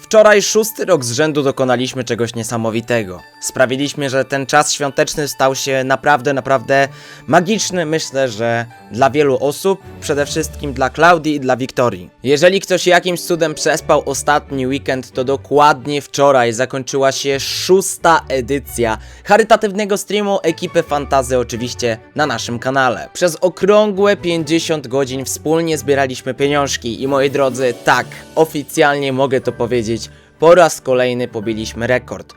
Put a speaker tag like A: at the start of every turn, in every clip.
A: Wczoraj 6. rok z rzędu dokonaliśmy czegoś niesamowitego. Sprawiliśmy, że ten czas świąteczny stał się naprawdę magiczny. Myślę, że dla wielu osób, przede wszystkim dla Klaudii i dla Wiktorii. Jeżeli ktoś jakimś cudem przespał ostatni weekend, to dokładnie wczoraj zakończyła się 6. edycja charytatywnego streamu ekipy Fantazy, oczywiście na naszym kanale. Przez okrągłe 50 godzin wspólnie zbieraliśmy pieniążki i moi drodzy, tak, oficjalnie mogę to powiedzieć, po raz kolejny pobiliśmy rekord.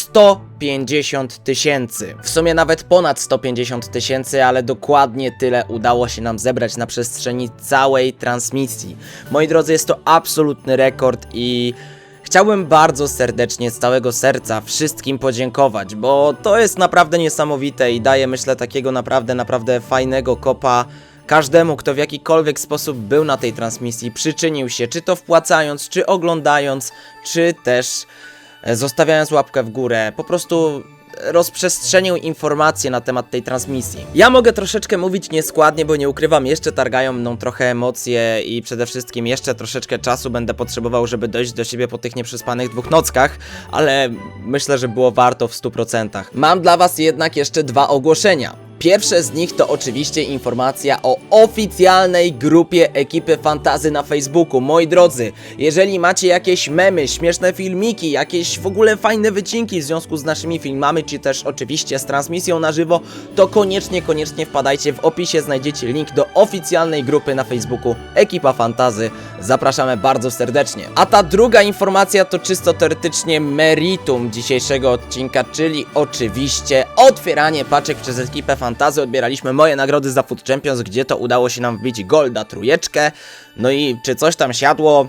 A: 150 000. W sumie nawet ponad 150 000, ale dokładnie tyle udało się nam zebrać na przestrzeni całej transmisji. Moi drodzy, jest to absolutny rekord i chciałbym bardzo serdecznie, z całego serca wszystkim podziękować, bo to jest naprawdę niesamowite i daje, myślę, takiego naprawdę fajnego kopa każdemu, kto w jakikolwiek sposób był na tej transmisji, przyczynił się, czy to wpłacając, czy oglądając, czy też zostawiając łapkę w górę, po prostu rozprzestrzenił informacje na temat tej transmisji. Ja mogę troszeczkę mówić nieskładnie, bo nie ukrywam, jeszcze targają mną trochę emocje i przede wszystkim jeszcze troszeczkę czasu będę potrzebował, żeby dojść do siebie po tych nieprzespanych 2 nockach, ale myślę, że było warto w 100%. Mam dla was jednak jeszcze 2 ogłoszenia. Pierwsze z nich to oczywiście informacja o oficjalnej grupie ekipy Fantazy na Facebooku. Moi drodzy, jeżeli macie jakieś memy, śmieszne filmiki, jakieś w ogóle fajne wycinki w związku z naszymi filmami, czy też oczywiście z transmisją na żywo, to koniecznie wpadajcie, w opisie znajdziecie link do oficjalnej grupy na Facebooku Ekipa Fantazy. Zapraszamy bardzo serdecznie. A ta druga informacja to czysto teoretycznie meritum dzisiejszego odcinka, czyli oczywiście otwieranie paczek przez ekipę Fantazy. Odbieraliśmy moje nagrody za Food Champions, gdzie to udało się nam wbić golda 3. No i czy coś tam siadło?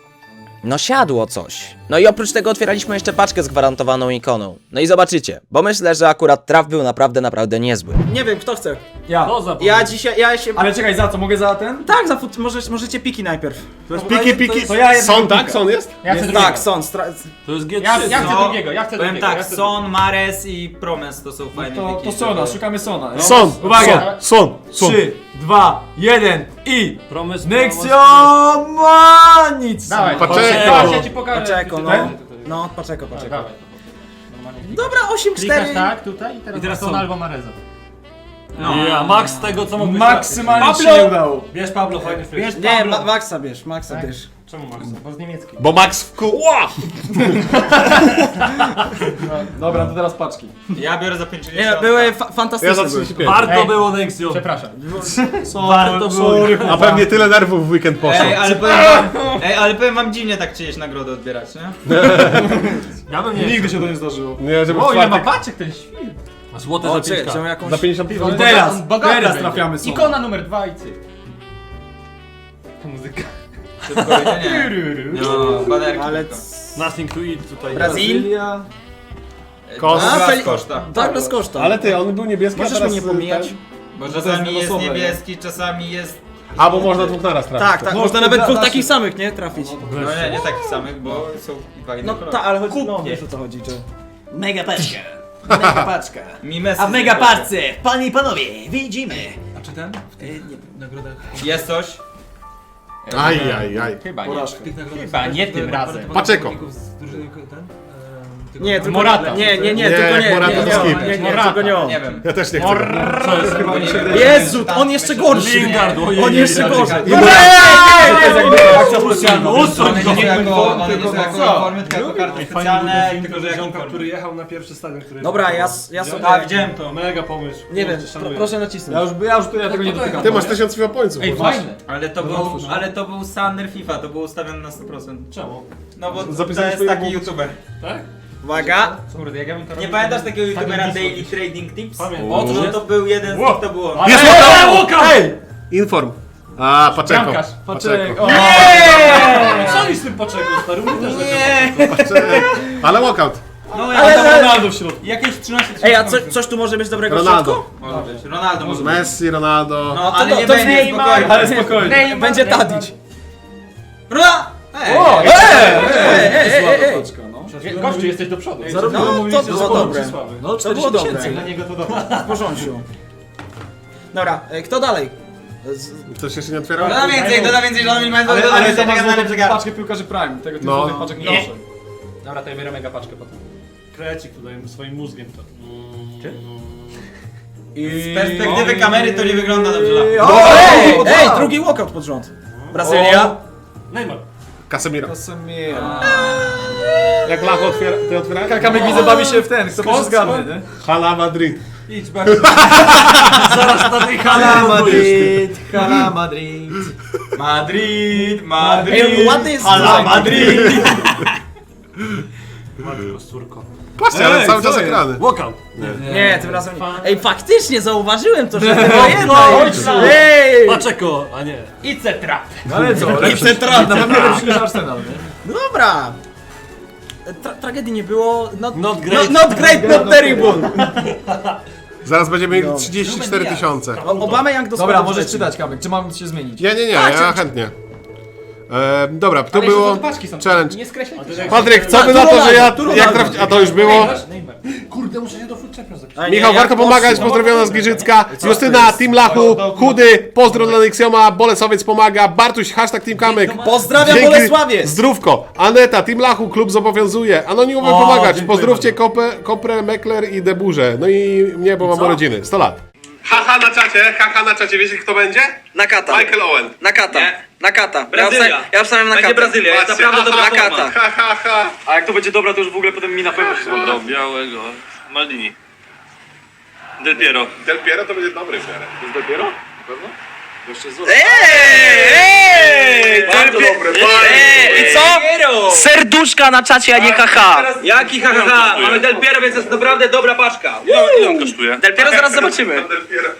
A: No siadło coś. No i oprócz tego otwieraliśmy jeszcze paczkę z gwarantowaną ikoną. No i zobaczycie, bo myślę, że akurat traf był naprawdę niezły.
B: Nie wiem, kto chce.
C: Ja.
D: To za
B: Ja dzisiaj, ja się...
C: Ale czekaj, za co? Mogę za ten?
B: Tak, możecie piki najpierw.
D: Piki.
C: To ja jednego
D: Son, tak?
C: pika.
D: Son jest?
C: Ja chcę
B: Jest,
C: drugiego.
B: tak, są.
D: To jest G3.
C: Ja chcę
E: No,
C: drugiego, ja chcę
E: Powiem
C: drugiego.
E: tak,
C: ja chcę
E: Son, Mares i Promes to są fajne
C: To
E: wiki.
C: Sona, szukamy Sona. No.
D: Son,
C: Uwaga.
D: Son.
C: 3, 2, 1 i...
D: Promes
C: Nexio ma nic!
D: Dawaj,
C: Paczeko! Ja ci pokażę.
B: Paczeko, no.
C: Ten?
B: No, paczeko.
C: Dawaj.
B: Dobra, 8-4.
D: Klikasz tak, tutaj i teraz
C: Son.
D: Son albo Mareza.
E: No.
D: Ja, max tego co mógłbyś
C: Maksymalnie ci
D: Pablo!
C: nie udało.
D: Bierz Pablo, fajny fryz.
E: Wiesz,
B: Nie,
E: Pablo.
B: Maxa bierz,
C: Tak?
B: bierz.
D: Czemu Max? Bo z niemieckiej.
F: Bo Max w kół.
C: Dobra, to teraz paczki.
E: Ja biorę za 50.
B: Nie, były fantastyczne.
F: Ja za
B: były.
F: 35.
D: Warto było Nexio.
C: Przepraszam.
D: Warto było.
F: A pewnie tyle nerwów w weekend poszło.
E: ale powiem wam dziwnie tak czyjeś nagrody odbierać, nie?
D: Ja bym nie.
C: Nigdy się to nie zdarzyło.
F: Nie, żeby
D: O, ile ma
F: czwartek...
D: paczek ten świr. A złote
B: O,
D: za
B: czekaj,
D: 5K.
B: czy jakąś...
F: Za 50 piwa.
C: Teraz,
D: bogaty
C: teraz
D: będzie.
C: trafiamy Sona.
D: Ikona numer 2 i cyk. To muzyka.
E: Szybko, nie. No, banerki.
B: Ale...
E: tylko.
D: Nothing to eat tutaj.
B: Brazil?
F: Kos.
B: A,
E: Douglas
B: Fel-
E: Costa.
B: Tak, bez koszta.
F: Ale ty, on był niebieski,
B: Możesz
F: a teraz...
B: mnie nie pomijać?
E: Bo
C: jest
E: czasami jest
C: losowe,
E: niebieski, czasami jest...
F: A, bo można 2 naraz trafić.
B: Tak,
C: No,
B: można
C: to
B: nawet
C: da-
B: 2
C: da
B: takich
C: się.
B: samych, nie? Trafić.
E: No nie takich samych, bo są 2 inne
B: No
E: kolory.
B: tak, ale chodzi... No, wiesz o co chodzi, że... Mega paczka. Mega paczka.
E: Mimesy.
B: A w mega parce, panie i panowie, widzimy.
D: A czy ten? Nagrodach.
E: Jest coś?
F: Aj.
D: Chyba nie.
C: Porażka.
D: Chyba nie tym razem.
F: Paczeko.
B: Nie, tylko
D: Morata.
B: Nie,
F: Nie,
B: tylko nie.
F: Morata to skip.
B: Nie,
D: Morata.
B: tylko nie on.
E: Nie wiem.
F: Ja też nie chcę.
D: Co jest?
C: Chyba mi się wydaje.
B: Jezu, on jeszcze gorszy.
D: Lingard, ojej.
B: On jeszcze gorzej.
F: I
C: To jest jakby akcja specjalna.
D: Usuń go!
E: One nie są
C: tylko
E: jako
C: co?
E: informy, tylko jako karty specjalne, tylko że jak
D: ziomka,
E: informy.
D: który jechał na pierwszy stadion, który...
B: Dobra, ja sobie...
E: A, widziałem to.
D: Mega pomysł.
B: Nie wiem,
D: Kurczę, szanuję.
B: proszę nacisnąć.
C: Ja tego nie dotykam.
F: Ty masz 1000 FIFA pońców.
D: Ej,
F: kurwa.
D: fajne.
E: Ale to był Sander FIFA, to było ustawione na 100%.
D: Czemu?
E: No bo to
F: Zapisałeś
E: jest
F: swojego
E: taki youtuber.
D: Tak?
B: Uwaga.
D: Kurde, jak ja bym to
E: Nie
D: robił,
E: pamiętasz
D: to-
E: takiego youtubera
D: tak bym
E: Daily
D: pisał.
E: Trading Tips?
D: Pamiętam.
E: O, no to był jeden z
D: Wow.
E: nich, to było on.
D: Ale-
F: Jest
D: Ej!
F: Inform. A, Paczeko.
D: Bramkarz.
C: Paczek. O,
D: Co oni z tym poczego, stary? Mnie też
E: Nie!
F: Paczeko. Ale walkout.
E: No
C: ale tam Ronaldo w środku.
E: jakieś 13
B: Ej, a coś tu może być dobrego w
F: Ronaldo.
B: środku?
E: Może być. Ronaldo może być.
F: Messi, Ronaldo.
E: No, ale nie
B: to
E: będzie,
B: Neymar.
E: spokojnie.
C: Ale spokojnie.
B: Będzie Tadić.
C: O,
B: ej.
C: paczka, no.
D: Gościu, jesteś do przodu.
C: Zarówno
B: No,
C: mówiliście,
B: to
C: że
B: było
C: są
B: dobre.
C: przysławy.
B: No, to było dobre.
D: Dla niego to dobre.
B: W porządku. Dobra, kto dalej?
F: Ktoś jeszcze nie otwierał?
E: Doda więcej, że oni mają
C: Ale
E: doda
C: to
E: więcej,
C: masz
E: czekam na lepszy gar.
C: paczkę piłkarzy Prime, tego
F: No.
C: typu paczek nie noszę.
D: Dobra, to ja biorę mega paczkę potem.
B: Krecik tutaj swoim mózgiem to.
E: Z perspektywy kamery to nie wygląda dobrze.
B: Ej, drugi walkout pod rząd. Brazylia.
D: Neymar.
F: Casemiro.
C: Casemiro.
F: Jak Lacho otwiera, ty otwierałeś?
C: Kamek widzę bawi się w ten, kto pierwszy zgadnie, nie?
F: Hala Madrid.
C: Idź bardzo.
B: Zaraz na tej hala
E: Madrid. Madrid.
B: Ej, ładny jest
E: Hala
B: design.
E: Madrid.
D: Matko, córko.
F: Patrzcie, ale
C: Ej,
F: cały
C: co
F: czas
C: jest?
F: ekrany.
C: Walkout.
B: Nie, tym razem nie. Ej, faktycznie zauważyłem to, że to była jedna.
D: ojca.
B: Ej!
D: Paczeko, a nie.
B: I cetra.
C: No ale co? Lepszy, na pewno lepszy niż Arsenal, nie?
B: No dobra. Tragedii nie było.
D: Not great.
B: Not great, not terrible.
F: Zaraz będziemy mieli 34 000.
B: Obama jak do
C: Dobra,
B: składu
C: możesz
B: wleci.
C: czytać, Kamek, czy mam się zmienić?
F: Nie, ja chętnie. Dobra, to
D: Ale jeszcze
F: było
D: te paczki są.
F: challenge.
D: Nie skreślaj.
F: Patryk, co by
B: tu
F: na to, że ja...
B: Ronaldo,
F: Jak a to już było?
D: Neymar. Kurde, muszę się do Food Champions zapisać.
B: A nie,
F: Michał,
B: jak
F: warto pomagać, pozdrowiona z Giżycka. Justyna, Team Lachu, Chudy, pozdro dla Nexioma, Bolesowiec pomaga, Bartuś, hashtag Team Kamek.
B: Pozdrawiam
F: Dzięki.
B: Bolesławiec.
F: Zdrówko. Aneta, Team Lachu, klub zobowiązuje. Anonimowy
C: O,
F: pomagać.
C: dziękuję
F: Pozdrówcie Koprę, Mekler i Deburze. No i mnie, bo mam urodziny. 100 lat. Haha na czacie. Wiecie kto będzie?
G: Nakata.
F: Michael Owen.
G: Nakata. Nakata.
E: Brazylia.
G: Ja wstawiam Nakatę.
E: Będzie Brazylia, jest
F: Patrzcie,
E: naprawdę dobra
G: Nakata.
E: forma.
F: Ha.
E: A jak to będzie dobra, to już w ogóle potem mi na pewno się spodoba.
H: Białego. Maldini. Del Piero.
F: Del Piero to będzie dobry w miarę.
E: Del Piero?
G: Ej!
E: Bardzo dobre,
G: I co? Serduszka na czacie, a nie haha.
E: Jaki haha? Mamy Del Piero, więc jest naprawdę dobra paczka.
H: Ile on kosztuje?
G: Del Piero zaraz zobaczymy.
F: Del Piero.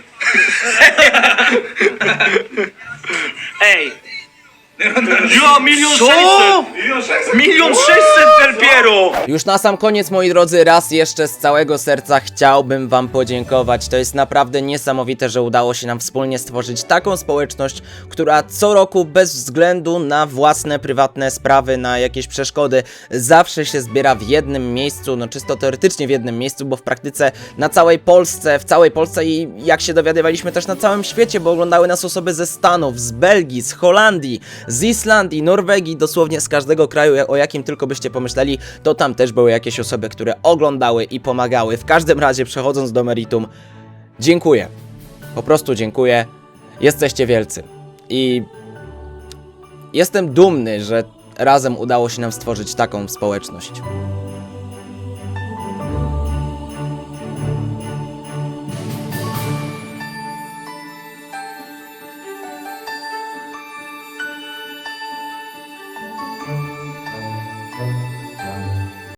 G: Ej.
H: Jo, 1 600 000.
G: 1 600 Del Piero!
A: Już na sam koniec, moi drodzy, raz jeszcze z całego serca chciałbym wam podziękować. To jest naprawdę niesamowite, że udało się nam wspólnie stworzyć taką społeczność, która co roku bez względu na własne, prywatne sprawy, na jakieś przeszkody, zawsze się zbiera w jednym miejscu, no czysto teoretycznie w jednym miejscu, bo w praktyce na całej Polsce, w całej Polsce i jak się dowiadywaliśmy też na całym świecie, bo oglądały nas osoby ze Stanów, z Belgii, z Holandii, z Islandii, Norwegii, dosłownie z każdego kraju, o jakim tylko byście pomyśleli, to tam też były jakieś osoby, które oglądały i pomagały. W każdym razie, przechodząc do meritum, dziękuję. Po prostu dziękuję. Jesteście wielcy. I jestem dumny, że razem udało się nam stworzyć taką społeczność.